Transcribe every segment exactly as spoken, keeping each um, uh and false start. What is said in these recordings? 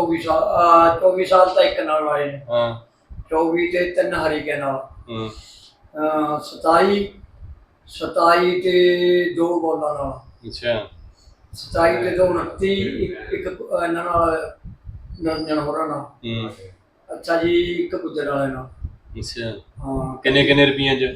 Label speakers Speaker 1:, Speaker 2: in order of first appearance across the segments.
Speaker 1: चौबी साल आ, चौबी साल तो एक नाल आए ने
Speaker 2: हाँ
Speaker 1: चौबी ते तीन हरी के नाल
Speaker 2: हम्म
Speaker 1: अ, सताई सताई ते दो बॉलां नाल
Speaker 2: अच्छा
Speaker 1: सताई ते दो उनती एक एक इन्हां नाल निरंजन होरां नाल
Speaker 2: हम्म
Speaker 1: अच्छा जी एक गुजर वाले नाल
Speaker 2: अच्छा
Speaker 1: हाँ
Speaker 2: किन्ने किन्ने रुपये च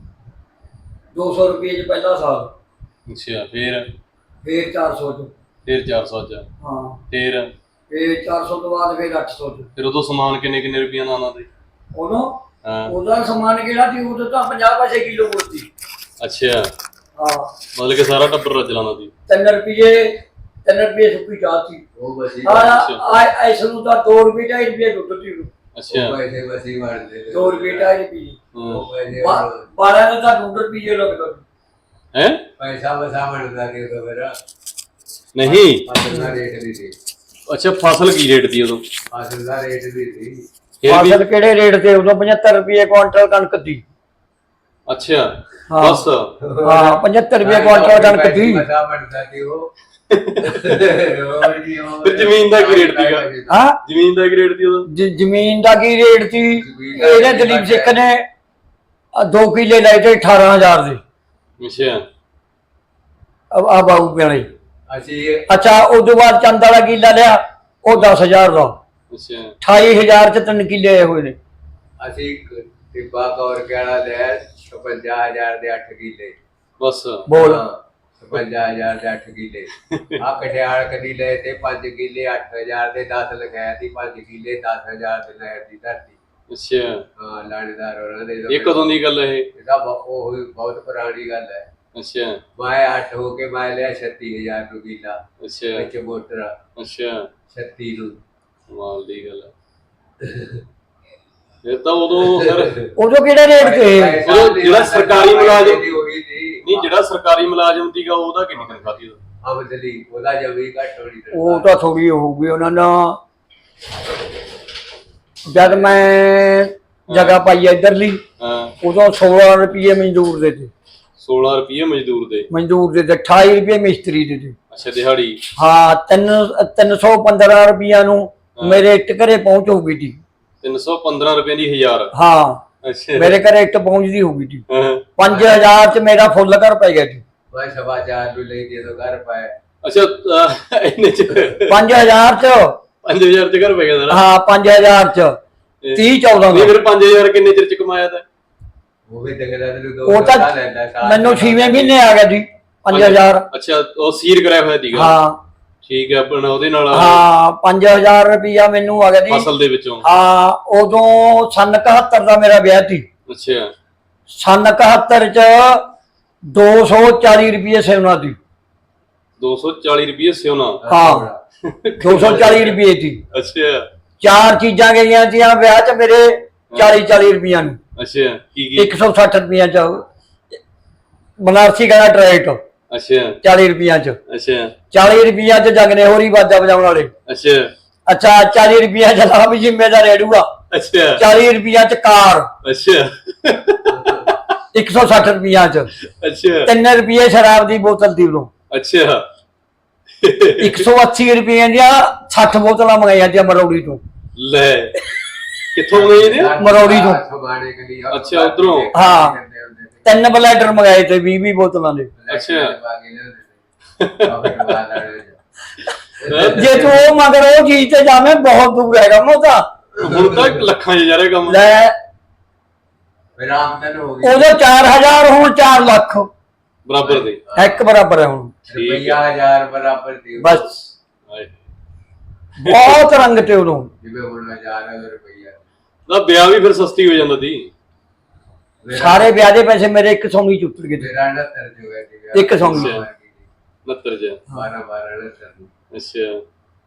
Speaker 1: दो सौ रुपये च पहला साल
Speaker 2: अच्छा फिर
Speaker 1: फिर चार सौ च
Speaker 2: फिर चार सौ च
Speaker 1: हाँ
Speaker 2: फिर
Speaker 1: फिर चार सौ तो बाद फिर अठ सौ च
Speaker 2: फिर उदों समान किन्ने किन्ने रुपये ਦਾ ਆਉਂਦਾ ਸੀ
Speaker 1: उदों
Speaker 2: ਹਾਂ
Speaker 1: ਉਹਦਾ ਸਮਾਨ ਕਿਹੜਾ ਸੀ ਉਦੋਂ ਤਾਂ ਪੰਜਾਹ ਪੈਸੇ ਕਿਲੋ ਕੁੜਤੀ
Speaker 2: ਅੱਛਾ
Speaker 1: ਹਾਂ
Speaker 2: ਮਤਲਬ ਕਿ ਸਾਰਾ ਟੱਬਰ ਰੱਜ ਲਾਉਂਦਾ ਸੀ
Speaker 1: ਤਿੰਨ ਰੁਪਏ ਤਿੰਨ ਰੁਪਏ ਸੁੱਕੀ ਚਾਹ ਸੀ
Speaker 3: ਉਹ ਬਸੀ
Speaker 1: ਹਾਂ ਐਸ ਨੂੰ ਤਾਂ ਦੋ ਰੁਪਏ ਢਾਈ ਰੁਪਏ ਦੁੱਧ ਸੀ
Speaker 2: ਅੱਛਾ
Speaker 3: ਉਹ ਪੈਸੇ ਬਸੀ ਮਾਰਦੇ
Speaker 1: ਦੋ ਰੁਪਏ ਢਾਈ ਰੁਪਏ
Speaker 3: ਉਹ ਪੈਸੇ
Speaker 1: ਬਾਰਾਂ ਦਾ ਤਾਂ ਦੋ ਰੁਪਏ ਲੱਗਦਾ
Speaker 2: ਹੈ
Speaker 3: ਪੈਸਾ ਵਸਾ ਬਣਦਾ ਕਿ ਉਹ ਮੇਰਾ
Speaker 2: ਨਹੀਂ
Speaker 3: ਫਸਲ ਦਾ ਰੇਟ ਵੀ ਸੀ
Speaker 2: ਅੱਛਾ ਫਸਲ ਕੀ ਰੇਟ ਦੀ ਉਦੋਂ
Speaker 3: ਫਸਲ ਦਾ ਰੇਟ ਵੀ ਸੀ
Speaker 2: ਫਿਰ ਵੀ
Speaker 1: ਫਸਲ ਕਿਹੜੇ ਰੇਟ ਤੇ ਉਦੋਂ ਪਝੱਤਰ ਰੁਪਏ ਕੁਆਂਟਲ ਕਣਕ ਦੀ
Speaker 2: ਅੱਛਾ
Speaker 1: ਹਾਂ।
Speaker 2: ਬਸ
Speaker 1: ਹਾਂ ਪਝੱਤਰ ਰੁਪਏ ਕੁਆਂਟਲ ਕਣਕ ਦੀ
Speaker 3: ਵਸਾ ਬਣਦਾ ਕਿ ਉਹ ਹੋਰ ਕੀ ਉਹ
Speaker 2: ਫਿਰ ਜ਼ਮੀਨ ਦਾ ਕੀ ਰੇਟ ਸੀਗਾ?
Speaker 1: ਹਾਂ
Speaker 2: ਜ਼ਮੀਨ ਦਾ ਕੀ ਰੇਟ ਦੀ ਉਦੋਂ
Speaker 1: ਜ- ਜ਼ਮੀਨ ਦਾ ਕੀ ਰੇਟ ਸੀ ਇਹਨੇ ਦਲੀਪ ਸਿੱਖ ਨੇ ਆਹ ਦੋ ਕਿੱਲੇ ਲਏ ਤੇ ਅਠਾਰਾਂ ਹਜ਼ਾਰ ਦੇ
Speaker 2: ਅੱਛਾ
Speaker 1: ਆ ਬਾਬੂ ਪਿਆਲੇ
Speaker 3: ਅਸੀਂ
Speaker 1: ਅੱਛਾ ਉਦੋਂ ਬਾਅਦ ਚੰਦ ਵਾਲਾ ਕਿੱਲਾ ਲਿਆ ਉਹ ਦਸ ਹਜ਼ਾਰ ਦਾ
Speaker 2: ਅੱਛਾ
Speaker 1: ਅਠਾਈ ਹਜ਼ਾਰ ਚ ਤਿੰਨ ਕਿੱਲੇ ਆਏ ਹੋਏ ਨੇ
Speaker 3: ਅਸੀਂ ਟਿੱਬਾ ਕੌਰ ਕਿਹੜਾ ਲੈ ਛਪੰਜਾ ਹਜ਼ਾਰ ਦੇ ਅੱਠ ਕਿੱਲੇ
Speaker 2: ਬਸ
Speaker 1: ਬੋਲ
Speaker 3: ਛਪੰਜਾ ਹਜ਼ਾਰ ਦੇ ਅੱਠ ਕਿੱਲੇ ਆ ਕਟਿਆਲ ਕਦੀ ਲਏ ਤੇ ਪੰਜ ਕਿੱਲੇ ਅੱਠ ਹਜ਼ਾਰ ਦੇ ਦਸ ਲਗਾਇਆ ਸੀ ਪੰਜ ਕਿੱਲੇ ਦਸ ਹਜ਼ਾਰ ਦੇ ਨਹਿਰ ਦੀ ਧਰਤੀ
Speaker 2: ਅੱਛਾ
Speaker 3: ਹਾਂ ਲਾਣੇਦਾਰ ਉਹਨਾਂ ਦੇ
Speaker 2: ਇਹ ਕਦੋਂ ਦੀ ਗੱਲ ਹੈ ਇਹ
Speaker 3: ਇਹਦਾ ਬ- ਉਹ ਹੀ ਬਹੁਤ ਪੁਰਾਣੀ ਗੱਲ ਹੈ
Speaker 2: ਅੱਛਾ
Speaker 3: ਮੈਂ ਅੱਠ ਹੋ ਕੇ ਮੈਂ ਲਿਆ ਛੱਤੀ ਹਜ਼ਾਰ ਨੂੰ ਕਿੱਲਾ
Speaker 2: ਅੱਛਾ
Speaker 3: ਵਿੱਚ ਮੋਟਰ
Speaker 2: ਅੱਛਾ
Speaker 3: ਛੱਤੀ ਨੂੰ
Speaker 2: ਕਮਾਲ ਦੀ ਗੱਲ ਹੈ ਫਿਰ ਤਾਂ ਉਦੋਂ ਫਿਰ
Speaker 1: ਉਦੋਂ ਕਿਹੜੇ ਰੇਟ ਤੇ
Speaker 3: ਪੈਸਾ
Speaker 2: ਉਹ ਜਿਹੜਾ ਸਰਕਾਰੀ ਮੁਲਾਜ਼ਮ-
Speaker 3: ਦੀ ਹੋ ਗਈ ਸੀ
Speaker 2: ਨਹੀਂ ਜਿਹੜਾ ਸਰਕਾਰੀ ਮੁਲਾਜ਼ਮ ਸੀਗਾ ਉਹਦਾ ਕਿੰਨੀ ਤਨਖਾਹ ਸੀ ਉਦੋਂ
Speaker 3: ਆਮਦਨੀ ਉਹਦਾ ਜਮੀ ਘੱਟ ਹੋਣੀ
Speaker 1: ਉਹ ਤਾਂ ਥੋੜੀ ਹੋਊਗੀ ਉਹਨਾਂ ਦਾ ਜਦ ਮੈਂ ਜਗ੍ਹਾ ਪਾਈ ਇਧਰਲੀ
Speaker 2: ਹਾਂ
Speaker 1: ਉਦੋਂ ਸੋਲਾਂ ਰੁਪਏ ਮਜ਼ਦੂਰ ਦੇ ਤੇ
Speaker 2: ਸੋਲਾਂ ਰੁਪਏ ਮਜ਼ਦੂਰ ਦੇ
Speaker 1: ਮਜ਼ਦੂਰ ਦੇ ਤੇ ਅਠਾਈ ਰੁਪਏ ਮਿਸਤਰੀ ਦੇ ਤੇ
Speaker 2: ਅੱਛਾ ਦਿਹਾੜੀ
Speaker 1: ਹਾਂ ਤਿੰਨ ਤਿੰਨ ਸੌ ਪੰਦਰਾਂ ਰੁਪਈਆ ਨੂੰ ਮੇਰੇ ਇੱਟ ਘਰੇ ਪਹੁੰਚ ਹੋਊਗੀ ਜੀ
Speaker 2: ਤਿੰਨ ਸੌ ਪੰਦਰਾਂ ਰੁਪਏ ਦੀ ਹਜ਼ਾਰ
Speaker 1: ਹਾਂ
Speaker 2: ਅੱਛਾ
Speaker 1: ਮੇਰੇ ਘਰੇ ਇੱਟ ਪਹੁੰਚਦੀ ਹੋਊਗੀ ਜੀ
Speaker 2: ਹਾਂ।
Speaker 1: ਪੰਜ ਹਜ਼ਾਰ ਚ ਮੇਰਾ ਫੁੱਲ ਘਰ ਪੈ ਗਿਆ ਜੀ
Speaker 3: ਮੈਂ ਸਵਾ ਚਾਰ ਨੂੰ ਲੈ ਕੇ ਤੋਂ ਘਰ ਪਾਇਆ
Speaker 2: ਅੱਛਾ ਅਹ, ਇੰਨੇ ਚ
Speaker 1: ਪੰਜ ਹਜ਼ਾਰ ਚ
Speaker 2: ਪੰਜ ਹਜ਼ਾਰ ਚ ਘਰ ਪੈ ਗਿਆ ਸਾਰਾ
Speaker 1: ਹਾਂ ਪੰਜ ਹਜ਼ਾਰ ਚ ਤੀਹ ਚੌਦਾਂ
Speaker 2: ਨਹੀਂ
Speaker 1: ਦਾ
Speaker 2: ਫਿਰ ਪੰਜ ਹਜ਼ਾਰ ਕਿੰਨੇ ਚਿਰ ਚ ਕਮਾਇਆ ਤਾਂ
Speaker 3: ਉਹ ਵੀ ਤਗੜਾ ਤੈਨੂੰ ਦੋ
Speaker 1: ਉਹ ਤਾਂ
Speaker 3: ਸਾਲ ਲੈਂਦਾ ਸਾਲ
Speaker 1: ਮੈਨੂੰ ਛੇਵੇਂ ਮਹੀਨੇ ਆ ਗਿਆ ਜੀ ਪੰਜ ਹਜ਼ਾਰ
Speaker 2: ਅੱਛਾ ਉਹ ਸੀਰ ਕਰਾਇਆ ਹੋਇਆ ਸੀਗਾ
Speaker 1: ਹਾਂ
Speaker 2: ਠੀਕ ਹੈ ਆਪਣਾ ਉਹਦੇ ਨਾਲ
Speaker 1: ਹਾਂ ਪੰਜ ਹਜ਼ਾਰ ਰੁਪਈਆ ਮੈਨੂੰ ਆ ਗਿਆ ਜੀ
Speaker 2: ਫਸਲ ਦੇ ਵਿੱਚੋਂ
Speaker 1: ਹਾਂ ਉਦੋਂ ਸੰਨ ਇਕਹੱਤਰ ਦਾ ਮੇਰਾ ਵਿਆਹ ਸੀ
Speaker 2: ਅੱਛਾ
Speaker 1: ਸੰਨ ਇਕਹੱਤਰ ਚ ਦੋ ਸੌ ਚਾਲੀ ਰੁਪਏ ਸੇਵਨਾ ਦੀ
Speaker 2: ਦੋ ਸੌ ਚਾਲੀ ਰੁਪਏ ਸਿਉਣਾ
Speaker 1: ਹਾਂ ਦੋ ਸੌ ਚਾਲੀ ਰੁਪਏ ਦੀ
Speaker 2: ਅੱਛਾ
Speaker 1: ਚਾਰ ਚੀਜ਼ਾਂ ਗਈਆਂ ਸੀਆਂ ਵਿਆਹ ਚ ਮੇਰੇ ਚਾਲੀ ਚਾਲੀ ਰੁਪਈਆ ਨੂੰ
Speaker 2: ਅੱਛਾ ਕੀ ਕੀ
Speaker 1: ਇੱਕ ਸੌ ਸੱਠ ਰੁਪਈਆ ਚ ਬਨਾਰਸੀ ਗਲਾ ਟਰੈਕ
Speaker 2: ਅੱਛਾ
Speaker 1: ਚਾਲੀ ਰੁਪਈਆ ਚ
Speaker 2: ਅੱਛਾ
Speaker 1: ਚਾਲੀ ਰੁਪਈਆ ਚ ਜਗਨੇ ਹੋਰੀ ਬਾਜਾ ਵਜਾਉਣ ਵਾਲੇ
Speaker 2: ਅੱਛਾ
Speaker 1: ਅੱਛਾ ਚਾਲੀ ਰੁਪਈਆ ਚ ਲਾ ਵੀ ਜ਼ਿੰਮੇਦਾਰ ਰੇੜੂਗਾ
Speaker 2: ਅੱਛਾ
Speaker 1: ਚਾਲੀ ਰੁਪਈਆ ਚ ਕਾਰ
Speaker 2: ਅੱਛਾ
Speaker 1: ਇੱਕ ਸੌ ਸੱਠ ਰੁਪਈਆ ਚ
Speaker 2: ਅੱਛਾ
Speaker 1: ਤਿੰਨ ਰੁਪਏ ਸ਼ਰਾਬ ਦੀ ਬੋਤਲ ਦੀ ਉਦੋਂ
Speaker 2: ਅੱਛਾ
Speaker 1: ਇੱਕ ਸੌ ਅੱਸੀ ਰੁਪਏ ਦੀਆਂ ਸੱਠ ਬੋਤਲਾਂ ਮੰਗਾਈਆਂ ਸੀ ਮਰੌੜੀ ਤੋਂ
Speaker 2: ਲੈ ਕਿੱਥੋਂ ਗਏ ਨੇ
Speaker 1: ਮਰੌੜੀ ਤੋਂ।
Speaker 3: ਸਮਾਣੇ ਕਦੀ
Speaker 2: ਅੱਛਾ, ਉੱਧਰੋਂ।
Speaker 1: ਹਾਂ। ਤਿੰਨ ਬਲੈਡਰ ਮੰਗਾਏ ਤੇ ਵੀਹ ਵੀਹ ਬੋਤਲਾਂ ਦੇ
Speaker 2: ਅੱਛਾ।
Speaker 1: ਜੇ ਤੂੰ ਉਹ ਮਗਰ ਉਹ ਚੀਜ਼ ਤੇ ਜਾਵੇਂ ਬਹੁਤ ਦੂਰ ਹੈਗਾ ਮੋ ਤਾਂ
Speaker 2: ਹੁਣ ਤਾਂ ਲੱਖਾਂ ਚ ਜਾ ਰਿਹਾ ਕੰਮ
Speaker 1: ਲੈ
Speaker 3: ਰਾਮ ਤਨ ਹੋ ਗਈ
Speaker 1: ਉਦੋਂ ਚਾਰ ਹਜ਼ਾਰ ਹੁਣ ਚਾਰ ਲੱਖ
Speaker 2: ਬਰਾਬਰ ਦੇ
Speaker 1: ਇੱਕ ਬਰਾਬਰ ਹੈ ਹੁਣ
Speaker 3: ਰੁਪਈਆ ਹਜ਼ਾਰ ਬਰਾਬਰ ਦੀ
Speaker 1: ਬਸ
Speaker 2: ਹਾਏ।
Speaker 1: ਬਹੁਤ ਰੰਗ ਤੇ ਉਦੋਂ
Speaker 3: ਜਿਵੇਂ ਹੁਣ ਹਜ਼ਾਰ ਰੁਪਈਆ
Speaker 2: ਤਾਂ ਵਿਆਹ ਵੀ ਫਿਰ ਸਸਤੀ ਹੋ ਜਾਂਦਾ ਸੀ
Speaker 1: ਸਾਰੇ ਵਿਆਹ ਦੇ ਪੈਸੇ ਮੇਰੇ ਇੱਕ ਸੌ ਚ ਉਤਰ ਗਏ ਤੇ।
Speaker 3: ਮੇਰਾ ਉਨੱਤਰ ਜੋ ਹੈ ਜੀ
Speaker 1: ਇੱਕ ਸੌ
Speaker 2: ਅੱਛਾ। ਉਨੱਤਰ ਚ
Speaker 3: ਬਾਰਾਂ ਬਾਰਾਂ ਉਨੱਤਰ
Speaker 2: ਅੱਛਾ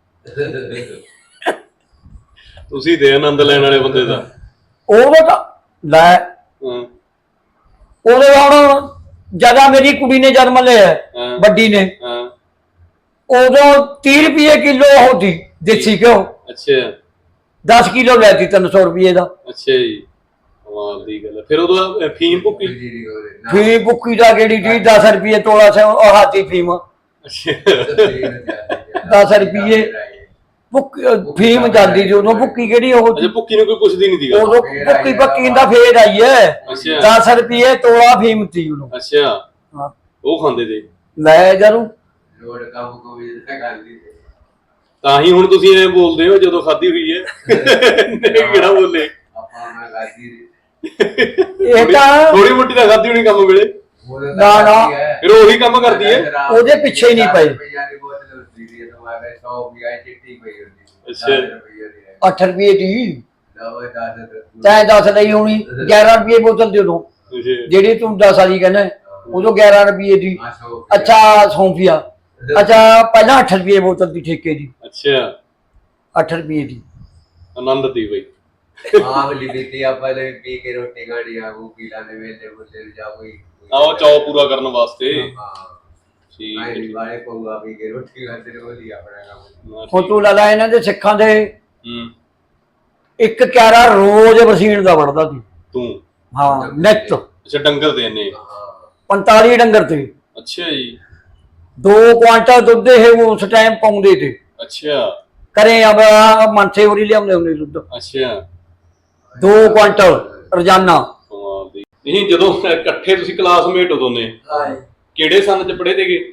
Speaker 2: ਤੁਸੀਂ ਦੇ ਆਨੰਦ ਲੈਣ ਵਾਲੇ ਬੰਦੇ ਦਾ
Speaker 1: ਉਦੋਂ ਤਾਂ ਲੈ
Speaker 2: ਹਾਂ
Speaker 1: ਉਦੋਂ ਹੁਣ ਜਗ੍ਹਾ ਮੇਰੀ ਕੁੜੀ ਨੇ ਜਨਮ ਲਿਆ
Speaker 2: ਹਾਂ।
Speaker 1: ਵੱਡੀ ਨੇ
Speaker 2: ਹਾਂ
Speaker 1: ਉਦੋਂ ਤੀਹ ਰੁਪਏ ਕਿਲੋ ਹੋਤੀ ਦੇਸੀ ਘਿਓ
Speaker 2: ਅੱਛਾ
Speaker 1: ਦਸ ਕਿਲੋ ਲੈਤੀ ਤਿੰਨ ਸੌ ਰੁਪਏ ਦਾ
Speaker 2: ਅੱਛਾ ਜੀ ਕਮਾਲ ਦੀ ਗੱਲ ਹੈ। ਫਿਰ ਉਦੋਂ ਫੀਮ ਭੁੱਕੀ
Speaker 3: ਜੀ ਦੀ ਹੋਵੇ ਨਾ
Speaker 1: ਫੀਮ ਬੁੱਕੀ ਦਾ ਕਿਹੜੀ ਜੀ ਦਸ ਰੁਪਏ ਤੋਲਾ ਸੇ ਉਹ ਹਾਥੀ ਫੀਮ
Speaker 2: ਅੱਛਾ
Speaker 1: ਦਸ ਰੁਪਏ ਭੁੱਕੀ ਫੀਮ ਜਾਂਦੀ ਸੀ ਉਦੋਂ, ਭੁੱਕੀ ਕਿਹੜੀ ਉਹ
Speaker 2: ਅਜੇ ਭੁੱਕੀ ਨੂੰ ਕੋਈ ਪੁੱਛਦੀ ਨਹੀਂ ਸੀਗਾ।
Speaker 1: ਉਦੋਂ ਭੁੱਕੀ ਭੱਕੀ ਦਾ ਫੇਰ ਆਈ ਹੈ।
Speaker 2: ਅੱਛਾ
Speaker 1: ਦਸ ਰੁਪਏ ਤੋਲਾ ਫੀਮ ਸੀ ਉਦੋਂ।
Speaker 2: ਅੱਛਾ
Speaker 1: ਹਾਂ
Speaker 2: ਉਹ ਖਾਂਦੇ ਤੇ
Speaker 1: ਲੈ ਜਰੂ
Speaker 3: ਲੋੜ ਕੰਮ ਕੋ ਵੀ ਨਾ ਕਰਦੀ ਤੇ
Speaker 2: ਤਾਂ ਹੀ ਹੁਣ ਤੁਸੀਂ ਐ ਬੋਲਦੇ ਹੋ ਜਦੋਂ ਖਾਧੀ ਹੋਈ ਹੈ। ਨਹੀਂ ਕਿਹੜਾ ਬੋਲੇ
Speaker 3: ਆਪਾਂ ਨਾ ਕਰਦੀ
Speaker 1: ਇਹ ਤਾਂ
Speaker 2: ਥੋੜੀ ਮੋਟੀ ਤਾਂ ਖਾਧੀ ਹੋਣੀ ਕੰਮ ਵੇਲੇ,
Speaker 1: ਨਾ ਨਾ
Speaker 2: ਫਿਰ ਉਹੀ ਕੰਮ ਕਰਦੀ ਹੈ।
Speaker 1: ਉਹਦੇ ਪਿੱਛੇ ਹੀ ਨਹੀਂ ਪਏ।
Speaker 2: ਅੱਛਾ
Speaker 1: ਅੱਠ ਰੁਪਏ ਦੀ
Speaker 3: ਲਓ ਦਸ
Speaker 1: ਤੈਂ ਦਸ ਲਈ ਹੋਣੀ, ਗਿਆਰਾਂ ਰੁਪਏ ਬੋਤਲ ਦੇ ਉਦੋਂ
Speaker 2: ਅੱਛਾ
Speaker 1: ਜਿਹੜੀ ਤੂੰ ਦਸ ਵਾਲੀ ਕਹਿੰਦਾ ਉਦੋਂ ਗਿਆਰਾਂ ਰੁਪਏ ਦੀ। ਅੱਛਾ ਸੌਂਫੀਆ, ਅੱਛਾ ਪਹਿਲਾਂ ਅੱਠ ਰੁਪਏ ਬੋਤਲ ਦੀ ਠੇਕੇ ਦੀ,
Speaker 2: ਅੱਛਾ
Speaker 1: ਅੱਠ ਰੁਪਏ ਦੀ।
Speaker 2: ਆਨੰਦ ਦੀ ਬਈ
Speaker 3: ਆਹ ਵਾਲੀ ਬੀਤੀ ਆਪਾਂ ਲੈ ਪੀ ਕੇ ਰੋਟੀ ਖਾਣੀ ਆ, ਉਹ ਪੀ ਲਾਂਦੇ ਵੇਲੇ ਬੁੱਲੇ ਜਾ ਕੋਈ
Speaker 2: ਆਹ ਚਾਅ ਪੂਰਾ ਕਰਨ ਵਾਸਤੇ।
Speaker 3: ਹਾਂ
Speaker 2: ਠੀਕ ਹੈ
Speaker 3: ਆਈ ਵਾਲੇ ਪਊਆ ਪੀ ਕੇ ਰੋਟੀ ਖਾਂਦੇ ਨੇ, ਉਹਦੀ ਆਪਣਾ ਕੰਮ।
Speaker 1: ਹੁਣ ਤੂੰ ਲਾ ਲਾ ਇਹਨਾਂ ਦੇ ਸਿੱਖਾਂ ਦੇ
Speaker 2: ਹੂੰ
Speaker 1: ਇੱਕ ਕਿਆਰਾ ਰੋਜ਼ ਵਸੀਣ ਦਾ ਵੜਦਾ ਸੀ।
Speaker 2: ਤੂੰ
Speaker 1: ਹਾਂ ਨਿੱਤ
Speaker 2: ਅੱਛਾ ਡੰਗਰ ਦੇ ਨੇ।
Speaker 1: ਪੰਤਾਲੀ ਡੰਗਰ ਤੇ
Speaker 2: ਅੱਛਾ ਜੀ
Speaker 1: ਦੋ ਕੁਆਂਟਲ ਦੁੱਧ ਇਹ ਉਸ ਟਾਈਮ ਪਾਉਂਦੇ ਤੇ।
Speaker 2: ਅੱਛਾ
Speaker 1: ਕਰੇ ਆ ਮਨਸੇ ਹੋਰੀ ਲਿਆਉਂਦੇ ਹੁੰਦੇ ਦੁੱਧ
Speaker 2: ਅੱਛਾ
Speaker 1: ਦੋ ਕੁਆਂਟਲ ਰੋਜ਼ਾਨਾ।
Speaker 2: ਕਮਾਲ ਦੀ। ਨਹੀਂ ਜਦੋਂ ਇਕੱਠੇ ਤੁਸੀਂ ਕਲਾਸਮੇਟ ਹੋ ਦੋਨੇ, ਕਿਹੜੇ ਸੰਨ ਚ ਪੜ੍ਹੇ ਤੇਗੇ?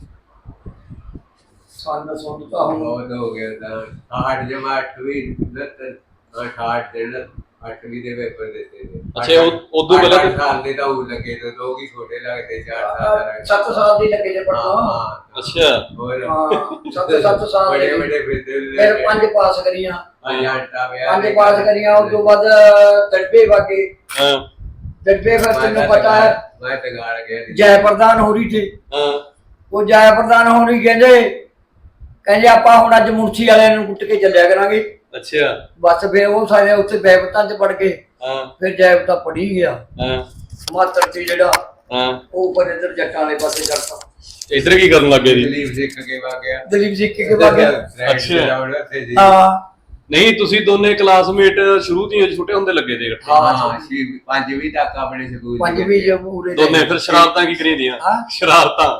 Speaker 1: ਸੰਨ ਸੁਣ ਤਾਂ ਹੁਣ
Speaker 3: ਬਹੁਤ ਹੋ ਗਿਆ ਤਾਂ ਆਠ ਜਮਾ ਅੱਠਵੀਂ ਉਨੱਤਰ ਅਠਾਹਠ ਦਿਨ ਅੱਠਵੀਂ ਦੇ ਪੇਪਰ ਦਿੱਤੇ ਨੇ।
Speaker 2: ਅੱਛਾ ਉਹ ਉਦੋਂ ਪਹਿਲਾਂ
Speaker 3: ਅੱਠ ਸਾਲ ਦੇ ਤਾਂ ਉਹ ਲੱਗੇ ਤੇ ਲੋਕ ਹੀ ਛੋਟੇ ਲੱਗਦੇ, ਚਾਰ ਸਾਲ ਦਾ ਲੱਗੇ।
Speaker 1: ਸੱਤ ਸਾਲ ਦੀ ਲੱਗੇ ਜੇ ਪੜਨਾ।
Speaker 3: ਹਾਂ
Speaker 2: ਅੱਛਾ
Speaker 3: ਹੋਰ
Speaker 1: ਹਾਂ ਸੱਤ ਸੱਤ ਸਾਲ
Speaker 3: ਬੜੇ
Speaker 1: ਦੇ
Speaker 3: ਬੜੇ ਫਿਰਦੇ
Speaker 1: ਫਿਰ ਪੰਜ ਪਾਸ ਕਰੀਆਂ,
Speaker 3: ਆਂਟਾ ਵਿਆਹ
Speaker 1: ਪੰਜ ਪਾਸ ਕਰੀਆਂ। ਉਸ ਤੋਂ ਬਾਅਦ ਦੜਬੇ ਵਾਗੇ,
Speaker 2: ਹਾਂ
Speaker 1: ਦੜਬੇ ਫਿਰ ਤੈਨੂੰ ਪਤਾ ਹੈ
Speaker 3: ਮੈਂ ਤੇ ਗਾਲ ਗਿਆ
Speaker 1: ਜੈ ਪ੍ਰਧਾਨ ਹੋ ਰਹੀ ਥੀ।
Speaker 2: ਹਾਂ
Speaker 1: ਉਹ ਜੈ ਪ੍ਰਧਾਨ ਹੋ ਰਹੀ ਕਹਿੰਦੇ ਕਹਿੰਦੇ ਆਪਾਂ ਹੁਣ ਅੱਜ ਮੁਰਸ਼ੀ ਵਾਲਿਆਂ ਨੂੰ ਕੁੱਟ ਕੇ ਚੱਲਿਆ ਕਰਾਂਗੇ।
Speaker 2: ਅੱਛਾ
Speaker 1: ਬਸ ਫਿਰ ਉਹ ਸਾਰੇ ਉੱਥੇ ਬੈਬਤਾਂ ਚ ਪੜ ਗਏ।
Speaker 2: ਹਾਂ
Speaker 1: ਫਿਰ ਜੈਬਤਾ ਪੜੀ ਗਿਆ
Speaker 2: ਹਾਂ
Speaker 1: ਮਾਤਰ ਤੇ ਜਿਹੜਾ
Speaker 2: ਹਾਂ
Speaker 1: ਉਹ ਪਰ ਇੱਧਰ ਜੱਟਾਂ ਵਾਲੇ ਪਾਸੇ ਕਰਤਾ।
Speaker 2: ਇੱਧਰ ਕੀ ਕਰਨ ਲੱਗੇ ਜੀ?
Speaker 3: ਦਲੀਪ ਸਿੱਖ ਕੇ ਵਾ ਗਿਆ
Speaker 1: ਦਲੀਪ ਸਿੱਖ ਕੇ ਬਾਅਦ
Speaker 2: ਅੱਛਾ।
Speaker 1: ਹਾਂ
Speaker 2: ਨਹੀਂ ਤੁਸੀਂ ਦੋਨੇ ਕਲਾਸਮੇਟ ਸ਼ੁਰੂ ਤੋਂ ਹੀ ਛੋਟੇ ਹੁੰਦੇ ਲੱਗੇ ਤੇ ਇਕੱਠੇ?
Speaker 3: ਹਾਂ ਛੇ ਪੰਜਵੀਂ ਤੱਕ ਆਪਣੇ ਸਕੂਲ
Speaker 1: ਪੰਜਵੀਂ ਜੋ ਪੂਰੇ
Speaker 2: ਦੋਨੇ ਫਿਰ ਸ਼ਰਾਰਤਾਂ ਕੀ ਕਰੀ ਦੀਆਂ?
Speaker 1: ਹਾਂ
Speaker 2: ਸ਼ਰਾਰਤਾਂ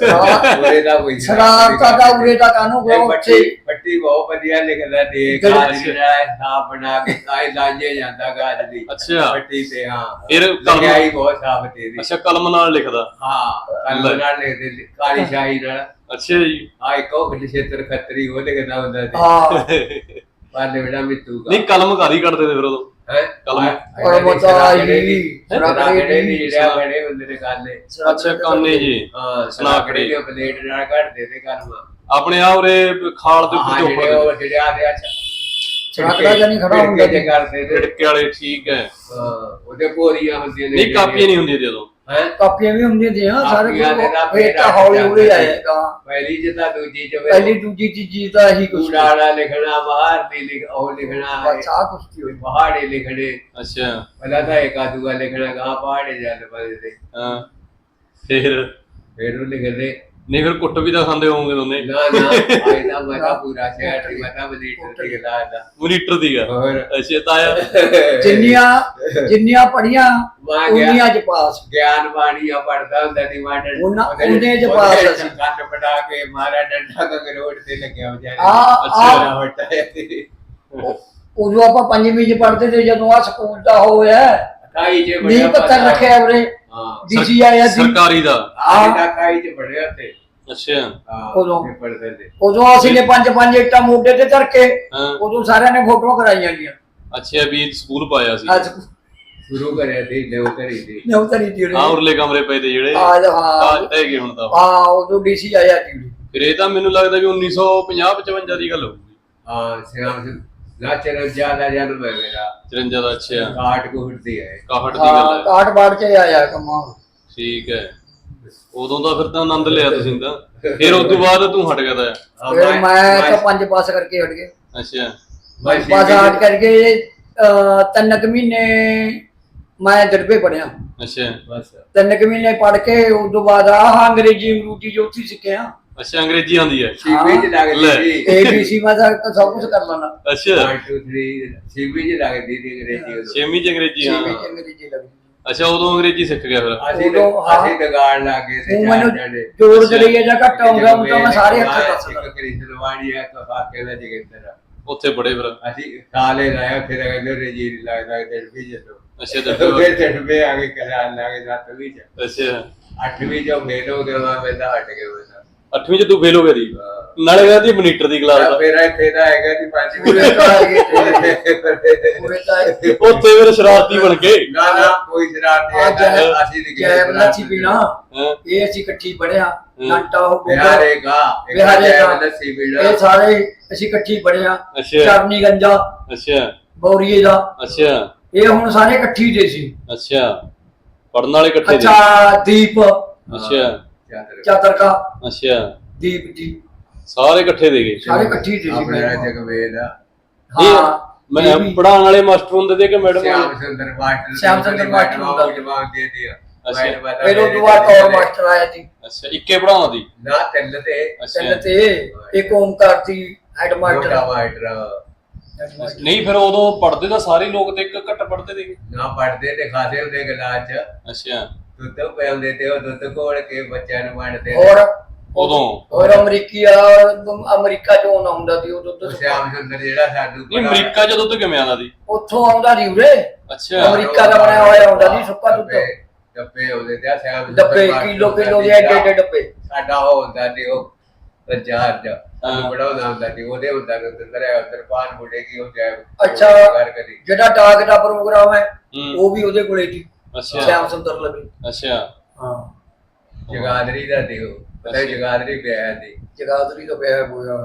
Speaker 3: ਉਰੇ ਦਾ ਕੋਈ
Speaker 1: ਸ਼ਰਾਰਤਾਂ ਦਾ ਉਰੇ ਦਾ ਕਾਨੂੰ
Speaker 3: ਇਹ
Speaker 1: ਉੱਥੇ
Speaker 3: ਪੱਟੀ ਪੱਟੀ ਬਹੁਤ ਵਧੀਆ ਲਿਖਦਾ ਤੇ ਗਾਜ ਜਿਹੜਾ ਸਾਫ ਬਣਾ ਕੇ ਕਾਇ ਲਾਂਝੇ ਜਾਂਦਾ ਗਾਜ ਦੀ
Speaker 2: ਅੱਛਾ
Speaker 3: ਪੱਟੀ ਤੇ। ਹਾਂ
Speaker 2: ਫਿਰ
Speaker 3: ਲਿਖਾਈ ਬਹੁਤ ਸਾਫ ਤੇ ਦੀ।
Speaker 2: ਅੱਛਾ ਕਲਮ ਨਾਲ ਲਿਖਦਾ?
Speaker 3: ਹਾਂ ਕਲਮ ਨਾਲ ਲਿਖਦੇ ਕਾਲੀ ਸ਼ਾਹੀ ਨਾਲ।
Speaker 2: ਅੱਛਾ ਜੀ
Speaker 3: ਆ ਇੱਕ ਉਹ ਖੇਤਰ ਖੱਤਰੀ ਉਹ ਲਿਖਦਾ ਹੁੰਦਾ ਸੀ।
Speaker 1: ਹਾਂ
Speaker 3: ਪਾਲੇ ਬੜਾ ਮਿੱਤੂ
Speaker 2: ਨਹੀਂ ਕਲਮ ਘਰ ਹੀ ਕੱਢਦੇ ਤੇ ਫਿਰ ਉਦੋਂ
Speaker 3: ਹੈ
Speaker 2: ਕਲਮ
Speaker 1: ਔਰ ਬਤਾ
Speaker 3: ਜਿਹੜੇ
Speaker 1: ਹੀ
Speaker 3: ਰਾਗੜੇ ਦੀ ਜਿਹੜਾ ਬੜੇ ਹੁੰਦੇ ਨੇ ਕਾਲੇ।
Speaker 2: ਅੱਛਾ ਕਾਨੇ ਜੀ
Speaker 3: ਹਾਂ ਸਨਾਕੜੇ ਦੇ ਪਲੇਟ ਨਾਲ ਕੱਢਦੇ ਤੇ ਕਲਮ
Speaker 2: ਆਪਣੇ ਆ ਉਰੇ ਖਾਲ ਦੇ
Speaker 3: ਹਾਂ
Speaker 2: ਉੱਤੇ
Speaker 3: ਜਿਹੜੇ ਉਹ ਜਿਹੜੇ ਆ ਦੇ ਅੱਛਾ
Speaker 1: ਛਾਕੜਾ ਜਣੀ ਖੜਾ ਹੁੰਦਾ
Speaker 3: ਜੇ ਕਰਦੇ ਤੇ
Speaker 2: ਝਿੜਕੇ ਵਾਲੇ। ਠੀਕ ਹੈ
Speaker 3: ਹਾਂ ਉਹਦੇ ਪੋਰੀਆਂ ਹੁੰਦੀਆਂ ਨੇ।
Speaker 2: ਨਹੀਂ ਕਾਪੀਆਂ ਨਹੀਂ ਹੁੰਦੀਆਂ ਜਦੋਂ?
Speaker 3: ਹੈ
Speaker 1: ਕਾਪੀਆਂ ਵੀ ਹੁੰਦੀਆਂ ਸੀ। ਹਾਂ ਸਾਰੇ
Speaker 3: ਕਾਪੀਆਂ ਦੇ ਨਾਲ
Speaker 1: ਫੇਰ ਤਾਂ ਹੌਲੀ ਹੌਲੀ ਆਏਗਾ।
Speaker 3: ਪਹਿਲੀ ਜਿੱਦਾਂ ਦੂਜੀ ਚ
Speaker 1: ਪਹਿਲੀ ਦੂਜੀ ਤੀਜੀ ਦਾ ਹੀ ਕੁਛ
Speaker 3: ਕੂੜਾਲਾ ਲਿਖਣਾ ਬਾਹਰ ਦੀ ਲਿਖ ਉਹ ਲਿਖਣਾ
Speaker 1: ਬਸ ਆਹ ਕੁਛ ਕੀ ਹੋਈ।
Speaker 3: ਪਹਾੜੇ ਲਿਖਣੇ
Speaker 2: ਅੱਛਾ
Speaker 3: ਪਹਿਲਾਂ ਤਾਂ ਇੱਕ ਆਦੂਆ ਲਿਖਣਾ ਗਾ ਪਹਾੜੇ ਜਾਂਦੇ ਪਏ ਤੇ
Speaker 2: ਹਾਂ ਫਿਰ
Speaker 3: ਫਿਰ ਉਹ ਲਿਖਦੇ।
Speaker 2: ਨਹੀਂ ਫਿਰ ਕੁੱਟ ਵੀ ਤਾਂ ਖਾਂਦੇ ਹੋਵੋਗੇ ਦੋਨੇ?
Speaker 3: ਨਾ ਨਾ ਆਇਦਾ ਮਤਾ ਪੂਰਾ ਸ਼ਹਿਰ ਦੀ ਮਤਾ ਮਨੀਟਰ ਦੀ ਗਲਾ ਦਾ
Speaker 2: ਮੋਨੀਟਰ ਦੀ ਆ?
Speaker 3: ਹੋਰ
Speaker 2: ਅੱਛਾ ਤਾਇਆ
Speaker 1: ਜਿੰਨੀਆਂ ਜਿੰਨੀਆਂ ਪੜੀਆਂ
Speaker 3: ਮੈਂ ਗਿਆ
Speaker 1: ਉਨੀਆਂ ਚ ਪਾਸ।
Speaker 3: ਗਿਆਨ ਬਾਣੀਆਂ ਪੜਦਾ ਹੁੰਦਾ ਸੀ ਮਾਟਰ
Speaker 1: ਉਹਨਾਂ- ਉਹਦੇ ਚ ਪਾਸ ਅਸੀਂ।
Speaker 3: ਕੰਨ ਪਟਾ ਕੇ ਮਾਰਾ ਡੰਡਾ ਕ ਰੋਡ ਤੇ ਲੱਗਿਆ ਵਿਚਾਰੇ।
Speaker 1: ਆ
Speaker 2: ਅੱਛਾ।
Speaker 3: ਵੱਟਾ ਸੀ
Speaker 1: ਉਦੋਂ ਆਪਾਂ ਪੰਜਵੀਂ ਚ ਪੜਦੇ ਤੇ ਜਦੋਂ ਆ ਸਕੂਲ ਦਾ ਹੋਇਆ
Speaker 3: ਕਾਈ ਜੇ
Speaker 1: ਨੀ ਪੱਤਰ ਰੱਖਿਆ ਉਰੇ
Speaker 3: ਹਾਂ
Speaker 1: ਡੀਸੀ ਆਇਆ ਸੀ।
Speaker 2: ਸਰਕਾਰੀ ਦਾ?
Speaker 3: ਆਹ ਦਾ ਕਾਈ ਚ ਪੜਿਆ ਤੇ।
Speaker 2: ਅੱਛਾ
Speaker 3: ਹਾਂ
Speaker 1: ਉਦੋਂ।
Speaker 3: ਪੇਪਰ ਦੇ
Speaker 1: ਉਦੋਂ ਅਸੀਂ ਨੇ ਪੰਜ ਪੰਜ ਇੱਟਾਂ ਮੋਢੇ ਤੇ ਧਰ ਕੇ
Speaker 2: ਹਾਂ
Speaker 1: ਉਦੋਂ ਸਾਰਿਆਂ ਨੇ ਫੋਟੋਆਂ ਕਰਾਈਆਂ ਗਈਆਂ।
Speaker 2: ਅੱਛਾ ਵੀ ਸਕੂਲ ਪਾਇਆ ਸੀ?
Speaker 1: ਅੱਜ
Speaker 3: ਸ਼ੁਰੂ ਕਰਿਆ ਸੀ ਦੇਵ ਕਰੀ ਸੀ।
Speaker 1: ਨੌ ਤਰੀ ਦੀ
Speaker 2: ਹਾਂ ਉਰਲੇ ਕਮਰੇ ਪਏ ਤੇ ਜਿਹੜੇ
Speaker 1: ਆਜ ਹਾਂ
Speaker 2: ਕਾਜ ਰਹਿ ਗਏ ਹੁਣ ਤਾਂ।
Speaker 1: ਹਾਂ ਉਦੋਂ ਡੀਸੀ ਆਇਆ ਸੀ।
Speaker 2: ਫਿਰ ਇਹ ਤਾਂ ਮੈਨੂੰ ਲੱਗਦਾ ਵੀ ਉੱਨੀ ਸੌ ਪੰਜਾਹ ਪਚਵੰਜਾ ਦੀ ਗੱਲ ਹੋਊਗੀ।
Speaker 3: ਹਾਂ ਸਿਆਮ ਲਾਚਰ ਜਿਆਦਾ ਜਨਮ ਹੈ ਮੇਰਾ
Speaker 2: ਚਰੰਜਾ ਦਾ? ਅੱਛਾ
Speaker 3: ਕਾਟ ਕੋਟ ਦੀ ਹੈ।
Speaker 2: ਇਕਾਹਠ ਦੀ ਗੱਲ
Speaker 1: ਹਾਂ
Speaker 2: ਹੈ।
Speaker 1: ਕਾਟ ਬਾੜ ਚ ਆਇਆ ਕਮਾ।
Speaker 2: ਠੀਕ ਹੈ ਉਦੋਂ ਦਾ ਫਿਰ ਤਾਂ ਆਨੰਦ ਲਿਆ ਤੁਸੀਂ ਤਾਂ। ਫਿਰ ਉਸ ਤੋਂ ਬਾਅਦ ਤੂੰ ਹਟ ਗਿਆ ਤਾਂ?
Speaker 1: ਫਿਰ ਮੈਂ ਤਾਂ ਪੰਜ ਪਾਸ ਕਰਕੇ ਹਟ ਗਿਆ।
Speaker 2: ਅੱਛਾ
Speaker 1: ਪੰਜ ਪਾਸ ਹਟ ਕਰਕੇ ਅਹ, ਤਿੰਨ ਕੁ ਮਹੀਨੇ ਮੈਂ ਦੜਬੇ ਪੜਿਆ।
Speaker 2: ਅੱਛਾ
Speaker 3: ਬਸ
Speaker 1: ਤਿੰਨ ਕੁ ਮਹੀਨੇ ਪੜ ਕੇ ਉਸ ਤੋਂ ਬਾਅਦ ਆਹ ਅੰਗਰੇਜ਼ੀ ਅੰਗਰੂਜੀ ਜੋ ਉੱਥੇ ਸਿੱਖਿਆ।
Speaker 2: ਅੱਛਾ ਅੰਗਰੇਜ਼ੀ ਆਉਂਦੀ ਹੈ?
Speaker 3: ਸੀਵੀ ਚ ਲੱਗਦੀ
Speaker 2: ਲੈ।
Speaker 3: ਸੀ।
Speaker 1: ਏ ਬੀ ਸੀ ਮੈਂ ਤਾਂ ਸਭ ਕੁਝ ਕਰ ਲੈਣਾ।
Speaker 2: ਅੱਛਾ
Speaker 3: one two three ਸੀਵੀ ਚ ਲੱਗਦੀ ਸੀ ਅੰਗਰੇਜ਼ੀ ਉਦੋਂ।
Speaker 2: ਛੇਵੀਂ ਚ ਅੰਗਰੇਜ਼ੀ? ਹਾਂ
Speaker 1: ਛੇਵੀਂ ਚ ਅੰਗਰੇਜ਼ੀ ਲੱਗਦੀ।
Speaker 2: ਅੱਛਾ ਉਦੋਂ ਅੰਗਰੇਜ਼ੀ ਸਿੱਖ ਗਿਆ ਫਿਰ
Speaker 3: ਅਸੀਂ
Speaker 1: ਉਦੋਂ ਹਾਂ।
Speaker 3: ਅਸੀਂ ਦਗਾੜ ਲੱਗੇ ਸੀ
Speaker 1: ਉਹ
Speaker 3: ਚਾਰ
Speaker 1: ਮੈਨੂੰ
Speaker 3: ਜਣੇ
Speaker 1: ਜੋੜ ਜੜਈਆ ਜਾਂ ਘੱਟ ਆਉਂਦਾ ਉਹ ਤਾਂ ਮੈਂ ਸਾਰੇ ਅੱਖਰ ਦੱਸ
Speaker 3: ਇੱਕ ਕ੍ਰਿਸ਼ਨਵਾੜੀ ਹੈ ਇੱਕ ਹਾਕੇ ਦਾ ਜਗਿੰਦਰ
Speaker 2: ਉੱਥੇ ਬੜੇ ਫਿਰ
Speaker 3: ਅਸੀਂ ਸਾਲੇ ਲਾਇਆ ਫਿਰ ਕਹਿੰਦੇ ਰਜੀਰ ਲੱਗਦਾ ਦਿਲ ਵੀ ਜਦੋਂ
Speaker 2: ਅੱਛਾ
Speaker 3: ਫਿਰ
Speaker 2: ਦੱਸੋ
Speaker 3: ਚੜਵੇ ਆ ਕੇ ਕਰਾਨ ਲੱਗੇ ਸੱਤਵੀਂ ਚ
Speaker 2: ਅੱਛਾ
Speaker 3: ਅੱਠਵੀਂ ਚੋਂ ਫੇਲ ਹੋ ਗਿਆ ਮੈਂ ਤਾਂ ਹਟ ਗਿਆ ਮੈਂ
Speaker 2: ਅੱਠਵੀਂ ਚ ਤੂੰ ਫੇਲ ਹੋ ਗਿਆ ਦੀ ਨਾਲੇ ਕਹਿੰਦੀ ਮਨੀਟਰ ਦੀ ਕਲਾਸ ਦਾ
Speaker 3: ਫਿਰ ਇੱਥੇ ਦਾ ਹੈਗਾ ਸੀ ਪੰਜਵੀਂ
Speaker 1: ਪੂਰੇ ਤਾਂ ਹੈਗੇ
Speaker 3: ਤੇ
Speaker 1: ਪੂਰੇ ਤਾਂ ਹੈਗੇ।
Speaker 2: ਉੱਥੇ ਫਿਰ ਸ਼ਰਾਰਤੀ ਬਣ ਕੇ
Speaker 3: ਨਾ ਨਾ ਕੋਈ ਸ਼ਰਾਰਤ
Speaker 1: ਆ ਜੈ
Speaker 3: ਨਹੀਂ ਅਸੀਂ ਨਹੀਂ
Speaker 1: ਜੈ ਲੱਛੀ ਪੀਣਾ
Speaker 2: ਹਾਂ
Speaker 1: ਇਹ ਅਸੀਂ ਇਕੱਠੀ ਪੜਿਆ ਘੰਟਾ ਉਹ
Speaker 3: ਬਿਹਾਰੇਗਾ
Speaker 1: ਬਿਹਾਰੇਗਾ।
Speaker 3: ਲੱਸੀ ਪੀਣਾ
Speaker 1: ਇਹ ਸਾਰੇ ਅਸੀਂ ਇਕੱਠੀ ਪੜਿਆ
Speaker 2: ਅੱਛਾ
Speaker 1: ਚਰਨੀ ਗੰਜਾ
Speaker 2: ਅੱਛਾ
Speaker 1: ਬੌਰੀਏ ਦਾ
Speaker 2: ਅੱਛਾ
Speaker 1: ਇਹ ਹੁਣ ਸਾਰੇ ਇਕੱਠੀ ਦੇ ਸੀ
Speaker 2: ਅੱਛਾ ਪੜਨ ਵਾਲੇ ਇਕੱਠੇ ਦੇ
Speaker 1: ਅੱਛਾ ਦੀਪ
Speaker 2: ਅੱਛਾ
Speaker 1: ਚਾਤਰਕਾ
Speaker 2: ਅੱਛਾ
Speaker 1: ਦੀਪ ਜੀ
Speaker 2: ਸਾਰੇ ਇਕੱਠੇ ਦੇ ਗਏ
Speaker 1: ਸਾਰੇ ਇਕੱਠੀ ਦੇ ਸੀ
Speaker 3: ਆਪਣਾ ਜਗਵੇਦ
Speaker 1: ਹਾਂ
Speaker 2: ਮੈਂ
Speaker 1: ਇਹ ਵੀ।
Speaker 2: ਪੜਾਉਣ ਵਾਲੇ ਮਾਸਟਰ ਹੁੰਦੇ ਤੇ ਕਿ ਮੈਡਮ
Speaker 3: श्याम सुंदर मास्टर
Speaker 1: श्याम सुंदर मास्टर
Speaker 3: को जवाब दे दिया
Speaker 2: अच्छा।
Speaker 3: मैंने बता
Speaker 1: ਫਿਰ ਉਹ ਤੋਂ ਬਾਅਦ ਔਰ ਮਾਸਟਰ ਆਇਆ ਸੀ
Speaker 2: ਅੱਛਾ ਇੱਕੇ ਪੜਾਉਣਾ ਦੀ
Speaker 3: ना चल थे
Speaker 1: ਚੱਲ
Speaker 2: ਅੱਛਾ
Speaker 1: ਤੇ ਇੱਕ ਓਮਕਾਰ ਸੀ ਹੈਡ
Speaker 3: मोटा
Speaker 1: ਮਾਸਟਰ
Speaker 3: मास्टर
Speaker 2: ਨਹੀਂ ਫਿਰ ਉਦੋਂ ਪੜਦੇ ਤਾਂ ਸਾਰੇ ਲੋਕ ਤੇ ਇੱਕ ਘੱਟ ਪੜਦੇ ਸੀਗੇ
Speaker 3: ना पढ़ते थे खाते होते गिलास च
Speaker 2: ਅੱਛਾ
Speaker 3: दुध पिलाते थे और दुध घोल के बच्चों ਨੂੰ ਵੰਡਦੇ
Speaker 1: ਔਰ
Speaker 2: ਉਦੋਂ
Speaker 1: ਔਰ ਅਮਰੀਕੀ ਆ ਅਮਰੀਕਾ ਚੋਂ ਆਉਂਦਾ ਹੁੰਦਾ ਸੀ ਉਦੋਂ ਤੋਂ
Speaker 3: श्याम सुंदर ਜਿਹੜਾ ਸਾਨੂੰ
Speaker 2: ਨਹੀਂ ਅਮਰੀਕਾ ਜਦੋਂ ਤੋਂ ਕਿਵੇਂ ਆਉਂਦਾ ਸੀ
Speaker 1: ਉੱਥੋਂ ਆਉਂਦਾ ਸੀ ਉਰੇ
Speaker 2: ਅੱਛਾ
Speaker 1: ਅਮਰੀਕਾ ਦਾ ਬਣਿਆ ਹੋਇਆ ਹੁੰਦਾ ਸੀ ਸੁੱਕਾ ਦੁੱਧ
Speaker 3: ਡੱਬੇ ਹੁੰਦੇ ਤੇ श्याम
Speaker 1: ਡੱਬੇ ਕਿਲੋ ਕਿਲੋ ਦੇ ਐਡੇ ਐਡੇ ਡੱਬੇ
Speaker 3: ਸਾਡਾ ਉਹ ਹੁੰਦਾ ਸੀ ਉਹ ਪ੍ਰਚਾਰ ਦਾ ਸਾਨੂੰ ਬੜਾ ਹੁੰਦਾ ਸੀ ਉਹਦੇ ਹੁੰਦਾ ਸੀ ਅੰਦਰ ਹੈ ਅੰਦਰ ਪਾਨ ਮੁੜੇਗੀ ਉਹ ਜਾਏ
Speaker 1: ਅੱਛਾ।
Speaker 3: ਕਰ ਕਰੀ
Speaker 1: ਜਿਹੜਾ ਡਾਕ ਦਾ ਪ੍ਰੋਗਰਾਮ ਹੈ
Speaker 2: ਹੂੰ
Speaker 1: ਉਹ ਵੀ ਉਹਦੇ ਕੋਲੇ ਸੀ
Speaker 2: ਅੱਛਾ
Speaker 1: ਸ਼ਿਆਮ ਸੁੰਦਰ ਲਵੀ
Speaker 2: ਅੱਛਾ
Speaker 1: ਹਾਂ
Speaker 3: ਜਗਾਦਰੀ ਦਾ ਦਿਓ ਪਤਾ ਹੀ ਜਗਾਦਰੀ ਪਿਆ ਸੀ
Speaker 1: ਜਗਾਦਰੀ ਦਾ ਪਿਆ ਹੋਇਆ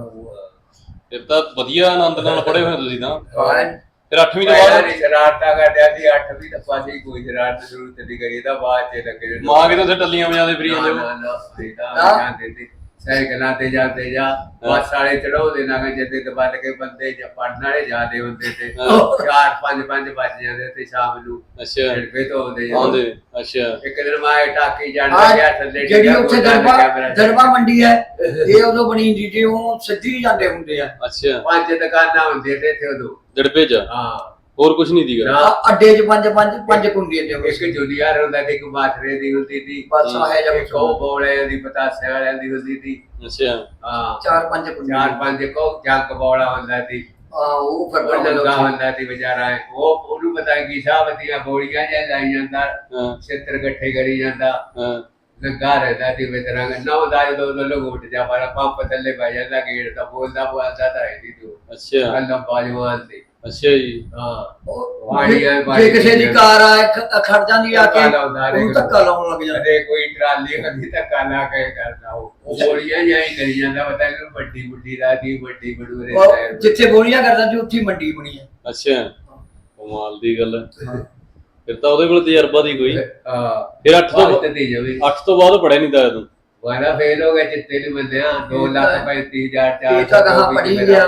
Speaker 2: ਫਿਰ ਤਾਂ ਵਧੀਆ ਆਨੰਦ ਨਾਲ ਪੜੇ ਹੋਏ ਤੁਸੀਂ ਤਾਂ
Speaker 1: ਹਾਂ
Speaker 2: ਫਿਰ ਅੱਠਵੀਂ ਤੋਂ
Speaker 3: ਪਹਿਲਾਂ
Speaker 2: ਬਾਅਦ
Speaker 3: ਨਹੀਂ ਸ਼ਰਾਰਤਾਂ ਕਰਦਿਆ ਸੀ ਅੱਠਵੀਂ ਤੱਕ ਪਾਸੇ ਕੋਈ ਸ਼ਰਾਰਤ ਜ਼ਰੂਰਤ ਨਹੀਂ ਕਰੀ ਤਾਂ ਬਾਅਦ ਚ ਲੱਗੇ
Speaker 2: ਮਾਂ ਕਿਤੇ ਉੱਥੇ ਟੱਲੀਆਂ ਵਜਾਦੇ ਫਰੀ ਜਾਂਦੇ
Speaker 3: ਨਾ
Speaker 2: ਹੋ
Speaker 3: ਨਾ ਫਰੀਦਾ
Speaker 1: ਨਾ।
Speaker 3: ਜਾਂਦੇ ਸੀ ਸਾਈਕਲਾਂ ਤੇ ਜਾਂਦੇ ਜਾ ਬਸ ਵਾਲੇ ਚੜਾਉਂਦੇ ਨਾ ਜਿੱਦੇ ਦਬਲ ਕੇ ਬੰਦੇ ਜਾਂ ਪੜਨ ਵਾਲੇ ਜਾਂਦੇ ਹੁੰਦੇ ਤੇ
Speaker 2: ਹਾਂ।
Speaker 3: ਚਾਰ ਪੰਜ ਪੰਜ ਵੱਜ ਜਾਂਦੇ ਤੇ ਸ਼ਾਮ ਨੂੰ
Speaker 2: ਅੱਛਾ
Speaker 3: ਢਿੜਪੇ ਤੋਂ ਆਉਂਦੇ
Speaker 2: ਆਉਂਦੇ
Speaker 3: ਜਾਂਦੇ
Speaker 2: ਅੱਛਾ
Speaker 3: ਇੱਕ ਦਿਨ ਮੈਂ ਟਾਕੀ ਜਾਣ
Speaker 1: ਆਹ
Speaker 3: ਲੱਗਿਆ ਥੱਲੇ
Speaker 1: ਜਿਹੜੀ
Speaker 3: ਡਿੱਗਾ,
Speaker 1: ਉੱਥੇ
Speaker 3: ਗੋਡਾ
Speaker 1: ਦਰਬਾ
Speaker 3: ਲੱਗਿਆ ਮੇਰਾ।
Speaker 1: ਦਰਬਾ ਮੰਡੀ ਹੈ ਇਹ ਉਦੋਂ ਬਣੀ ਹੁੰਦੀ ਸੀ ਉਹ ਸਿੱਧੀ ਜਾਂਦੇ ਹੁੰਦੇ ਆ
Speaker 2: ਅੱਛਾ
Speaker 3: ਪੰਜ ਦੁਕਾਨਾਂ ਹੁੰਦੀਆਂ ਤੇ ਇੱਥੇ ਉਦੋਂ
Speaker 2: ਜੜਪੇ ਚ
Speaker 3: ਹਾਂ
Speaker 2: ਹੋਰ ਕੁਝ ਨਹੀਂ ਦੀਗਾ
Speaker 3: ਨਾ
Speaker 1: ਆ- ਅੱਡੇ 'ਚ ਪੰਜ ਪੰਜ ਪੰਜ ਕੁੰਡੀਆਂ ਦੇ ਹੁੰਦੇ
Speaker 3: ਇੱਕ
Speaker 1: ਸੀ
Speaker 3: ਜੁਲੀਅਰ ਹੁੰਦਾ ਤੇ ਇੱਕ ਬਾਥਰੇ ਦੀ ਹੁੰਦੀ ਸੀ
Speaker 1: ਬਸ ਆਇਆ ਜਾਂ
Speaker 3: ਇੱਕ ਉਹ ਬੋਲੇ ਦੀ ਪਤਾਸੇ ਵਾਲਿਆਂ ਦੀ ਹੁੰਦੀ ਸੀ
Speaker 2: ਅੱਛਾ
Speaker 3: ਹਾਂ
Speaker 1: ਚਾਰ ਪੰਜ ਕੁੰਡੀਆਂ
Speaker 3: ਚਾਰ ਪੰਜ ਕੋ ਜੰਕ ਬੋਲਾ ਹੁੰਦਾ ਸੀ
Speaker 1: ਆ ਉਹ ਫਿਰ
Speaker 3: ਉਹ ਲੱਗਾ ਹੁੰਦਾ ਸੀ ਵਿਚਾਰਾ ਉਹ ਉਹਨੂੰ ਪਤਾ ਕੀ ਹਿਸਾਬ ਦੀਆਂ ਗੋਲੀਆਂ ਜਾਂ ਲਾਈ ਜਾਂਦਾ
Speaker 2: ਹਾਂ
Speaker 3: ਛੇਤਰ ਇਕੱਠੇ ਕਰੀ ਜਾਂਦਾ
Speaker 2: ਹਾਂ
Speaker 3: ਲੱਗਾ ਰਹਿੰਦਾ ਸੀ ਵਿਚਾਰਾ ਨੌ ਦਾ ਜਦੋਂ ਲੋਕ ਉੱਠ ਜਾ ਪਰ ਪੰਪ ਥੱਲੇ ਪੈ ਜਾਂਦਾ ਗੇੜ ਤਾਂ ਬੋਲਦਾ ਬੋਲਦਾ ਤਾਂ ਹੈ ਨਹੀਂ ਤੂੰ
Speaker 2: ਅੱਛਾ
Speaker 3: ਅੱਲਾ ਬਾਜਵਾਨ ਸੀ
Speaker 2: ਅੱਛਾ ਜੀ
Speaker 3: ਹਾਂ
Speaker 1: ਉਹ
Speaker 3: ਵਾੜੀ ਆ,
Speaker 1: ਜੇ
Speaker 3: ਵਾੜੀ
Speaker 1: ਜੇ ਕਿਸੇ ਦੀ
Speaker 3: ਆ।
Speaker 1: ਕਾਰ ਆ ਖ- ਖੜ ਜਾਂਦੀ ਆ ਕੇ
Speaker 3: ਧੱਕਾ ਲਾਉਂਦਾ ਹਰੇਕ
Speaker 1: ਉਹਨੂੰ ਧੱਕਾ ਲਾਉਣ ਲੱਗ ਜਾਂਦਾ
Speaker 3: ਕਦੇ ਕੋਈ ਟਰਾਲੀ ਕਦੀ ਧੱਕਾ ਲਾ ਕੇ ਕਰਦਾ ਉਹ ਉਹ ਗੋਲੀਆਂ ਜਾਂ ਹੀ ਕਰੀ ਜਾਂਦਾ ਪਤਾ ਨਹੀਂ ਵੱਡੀ ਵੱਡੀ ਰਾਤੀ ਵੱਡੀ ਬੜੂਰੇ
Speaker 1: ਉਹ ਜਿੱਥੇ ਗੋਲੀਆਂ ਕਰਦਾ ਸੀ ਉੱਥੇ ਹੀ ਮੰਡੀ ਬਣੀ ਹੈ
Speaker 2: ਅੱਛਾ ਕਮਾਲ ਦੀ ਗੱਲ ਹੈ ਫਿਰ ਤਾਂ ਉਹਦੇ ਕੋਲ ਤਜਰਬਾ ਦੀ ਕੋਈ
Speaker 3: ਹਾਂ
Speaker 2: ਫਿਰ ਅੱਠ ਤੋਂ
Speaker 3: ਬਾਤ ਤੇ ਜਵੇ
Speaker 2: ਅੱਠ ਤੋਂ ਬਾਅਦ ਪੜਿਆ ਨਹੀਂ ਤਾਂ ਤੂੰ
Speaker 3: ਵਾਲਾ ਫੇਲ ਹੋ ਗਿਆ ਚਿੱਤੇ ਨੂੰ ਬੰਦਿਆ ਦੋ ਲੱਖ ਪੈਂਤੀ ਹਜ਼ਾਰ ਚਾਰ
Speaker 1: ਇਹ ਤਾਂ ਕਹਾਂ ਪੜ੍ਹੀ ਗਿਆ।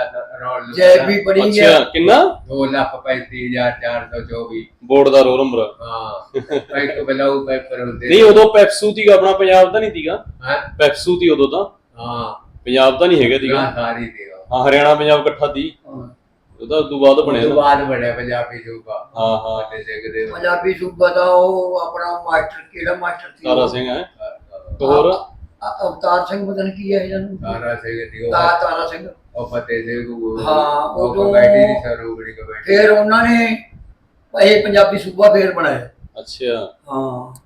Speaker 1: ਜੈ ਵੀ ਪੜੀ
Speaker 2: ਅੱਛਾ
Speaker 1: ਗਿਆ
Speaker 2: ਕਿੰਨਾ
Speaker 3: ਦੋ ਲੱਖ ਪੈਂਤੀ ਹਜ਼ਾਰ ਚਾਰ ਸੌ ਚੌਵੀ
Speaker 2: ਬੋਰਡ ਦਾ ਰੋਲ ਨੰਬਰ
Speaker 3: ਹਾਂ ਇੱਕ ਬਲਾਉ ਪੇਪਰ ਹੁੰਦੇ
Speaker 2: ਨਹੀਂ ਉਦੋਂ ਪੈਪਸੂ ਦੀ ਆਪਣਾ ਪੰਜਾਬ ਦਾ ਨਹੀਂ ਸੀਗਾ
Speaker 3: ਹਾਂ
Speaker 2: ਪੈਪਸੂ ਦੀ ਉਦੋਂ ਤਾਂ
Speaker 3: ਹਾਂ
Speaker 2: ਪੰਜਾਬ ਦਾ ਨਹੀਂ ਹੈਗਾ ਸੀਗਾ
Speaker 3: ਨਾ ਸਾਰੀ ਦੇਗਾ
Speaker 2: ਹਾਂ ਹਰਿਆਣਾ ਪੰਜਾਬ ਇਕੱਠਾ ਦੀ ਉਹਦਾ ਉਦੋਂ ਬਾਅਦ ਬਣਿਆ
Speaker 3: ਉਸ ਤੋਂ
Speaker 2: ਨਾ।
Speaker 3: ਬਾਅਦ ਬਣਿਆ ਪੰਜਾਬੀ ਸੂਬਾ
Speaker 2: ਹਾਂ ਹਾਂ
Speaker 3: ਫਤਿਹ ਸਿੰਘ ਦੇ
Speaker 1: ਪੰਜਾਬੀ ਸੂਬਾ ਦਾ ਉਹ ਆਪਣਾ ਮਾਸਟਰ ਕਿਹੜਾ ਮਾਸਟਰ ਸੀ
Speaker 2: ਤਾਰਾ ਸਿੰਘ ਹੈ ਤੇ ਹੋਰ
Speaker 1: ਅ- ਅਵਤਾਰ ਸਿੰਘ ਪਤਾ ਨਹੀਂ ਕੀ ਹੈ ਇਹਨਾਂ ਨੂੰ
Speaker 3: ਤਾਰਾ ਸਿੰਘ ਦੀ ਉਹ
Speaker 1: ਤਾ- ਤਾਰਾ ਸਿੰਘ
Speaker 3: ਉਹ ਫਤਿਹ ਸਿੰਘ ਉਹ
Speaker 1: ਹਾਂ,
Speaker 3: ਉਹ
Speaker 1: ਉਦੋਂ-
Speaker 3: ਕਮੇਟੀ ਦੀ ਸਰੂਗੜੀ ਕਮੇਟੀ
Speaker 1: ਫਿਰ ਉਹਨਾਂ ਨੇ ਇਹ ਪੰਜਾਬੀ ਸੂਬਾ ਫੇਰ ਬਣਾਇਆ
Speaker 2: ਅੱਛਾ
Speaker 1: ਹਾਂ